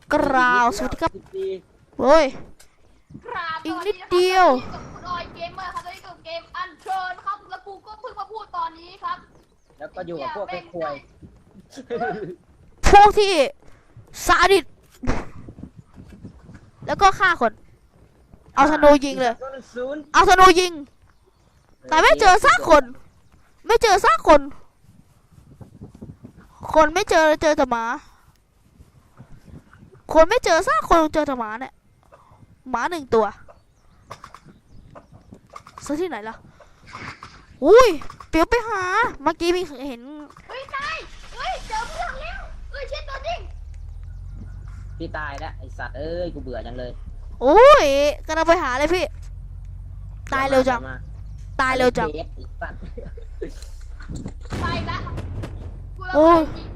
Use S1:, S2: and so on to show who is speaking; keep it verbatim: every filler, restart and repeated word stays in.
S1: กราวสวัสดีครับโอ้ยอีกนิดเดียว
S2: คุณออยเกมเมอร์ครับตอนนี้กับเกมอันเชิญครับแล้วกูก็เพิ่งมาพูดตอนนี้ครับ
S3: แล้วก็อยู่กับพวกเป็นควย
S1: พวกที่ซาดิสแล้วก็ฆ่าคนเอาธนูยิงเลยเอาธนูยิงแต่ไม่เจอซากคนไม่เจอซากคนคนไม่เจอเจอแต่หมาคนไม่เจอซากคนเจอแต่หมาเนี่ยหมาหนึ่งตัวซื้อที่ไหนล่ะอุ้ยเปียวไปหาเมื่อกี้มีเห็น
S2: เฮ้ยตายเฮ้ยเจอเพื่อนแล้วเฮ้ยเช็ดตัวจริง
S3: พี่ตายแล้วไอสัตว์เอ้ยกูเบื่อจังเลย
S1: โอ้ยกำลังไปหาเลยพี่ตายเร็วจังตายเร็วจัง
S2: ตายละ
S1: โอ้ย